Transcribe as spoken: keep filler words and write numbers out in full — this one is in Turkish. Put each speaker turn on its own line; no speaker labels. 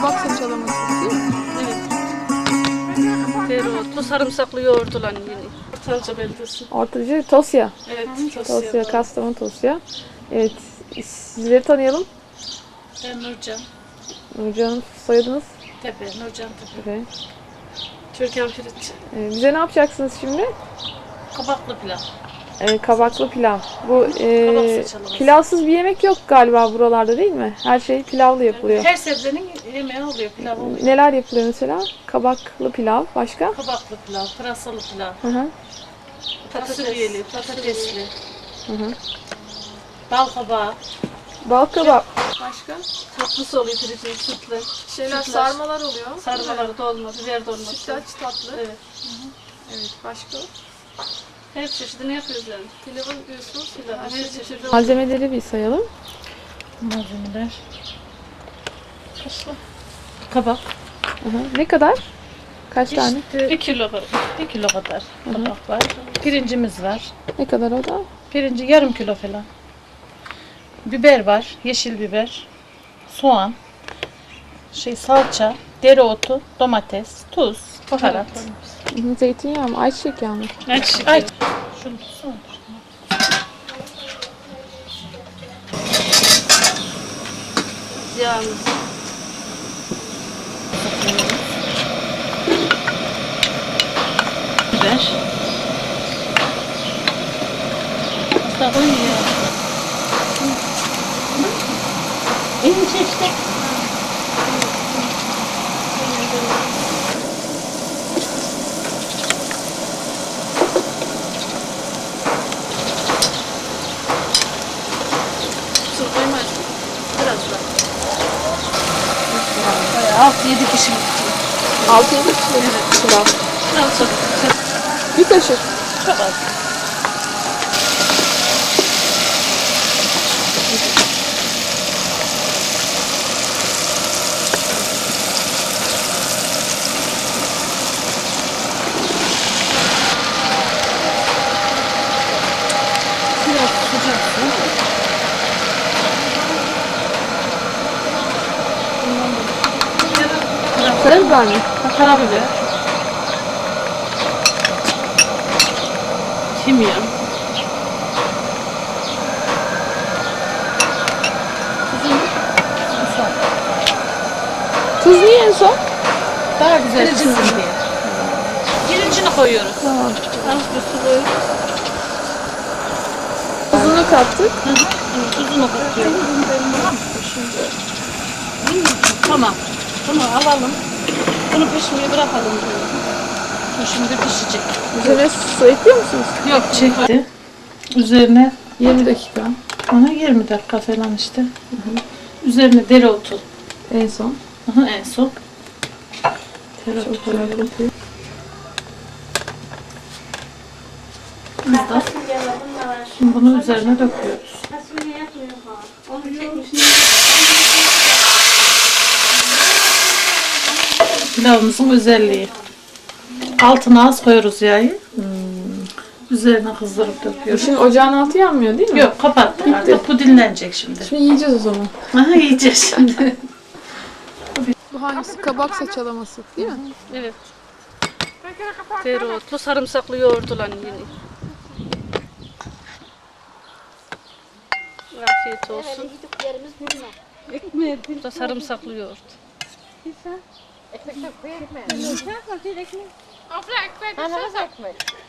kabak saçalaması değil mi?
Evet. Dereotlu, sarımsaklı yoğurtla yeni. Ortaca beldesi.
Ortacı Tosya.
Evet,
Tosya,
Tosya.
Kastamonu Tosya. Evet, sizleri tanıyalım.
Ben Nurcan.
Nurcan, soyadınız?
Tepe, Nurcan Tepe.
Evet.
Türkan Pirinç.
Ee, bize ne yapacaksınız şimdi?
Kabaklı pilav.
Ee, kabaklı pilav. Bu e,
Kabak saçalaması.
pilavsız bir yemek yok galiba buralarda değil mi? Her şey pilavlı yapılıyor.
Her sebzenin yemeği oluyor, pilav oluyor.
Neler yapılıyor mesela? Kabaklı pilav, başka?
Kabaklı pilav, pırasalı pilav,
Hı hı.
fasulyeli, patatesli,
Hı hı.
bal kabağı.
Bal kabak. Başka?
Tatlısı oluyor pirincin, sütlü.
Şeyler,
Sütlaç.
sarmalar oluyor.
Sarmaları dolma, biber dolması.
Sütlaç tatlı.
Evet.
Evet, başka?
Her çeşidini yapıyoruz yani.
Pilavın diyorsunuz.
Pilav, her çeşidi.
Malzemeleri bir sayalım.
Malzemeler. Kabak.
Hı hı. Ne kadar? Kaç tane?
Bir kilo kadar. Bir kilo kadar kabak var. Pirincimiz var.
Ne kadar o da?
Pirinci yarım kilo falan. Biber var, yeşil biber, soğan, şey salça, dereotu, domates, tuz, baharat.
Hı hı. Zeytinyağı mı? Ayçiçek yağı mı?
Ayçiçek. Ay. Şunu tutsana. Yağımız. Biber. Hasta koyuyor ya. İyi işte. Su koymaz. Biraz daha. Bayağı altı yedi kişilik.
altı yedi kişilik pilav.
Biraz çok.
Bir kaşık.
Çok az. Biraz sıcak su.
Karabiber mi?
Karabiber. Kimyon.
Tuz niye en son?
Daha güzel çıksın diye. Pirincini koyuyoruz.
Tamam.
Az bir su koyuyoruz.
Tuzunu kattık.
Tuzunu katıyoruz. Tamam. Bunu alalım. Bunu pişmeye bırakalım. Bu şimdi pişecek.
Üzerine su ekliyor musunuz?
Yok çekti. Üzerine
yirmi dakika.
ona yirmi dakika falan işte. Hı hı. Üzerine dereotu.
En son.
Hı hı, en son. Dereotu
Çok güzel
koyuyorum.
kokuyor.
Biz de şimdi bunu üzerine döküyoruz. Pilavımızın özelliği. Altına az koyuyoruz yağı. Hmm. Üzerine kızdırıp döküyoruz.
Şimdi ocağın altı yanmıyor değil mi?
Yok kapattık artık. Bu dinlenecek şimdi.
Şimdi yiyeceğiz o zaman.
Aha yiyeceğiz şimdi.
Bu hangisi? Kabak saçalaması değil mi?
Evet. Dereotlu, sarımsaklı yoğurtla yeni. Afiyet olsun. Bu da sarımsaklı yoğurt.
Ekmek koyayım mı? Afra ekmek. Ekmek.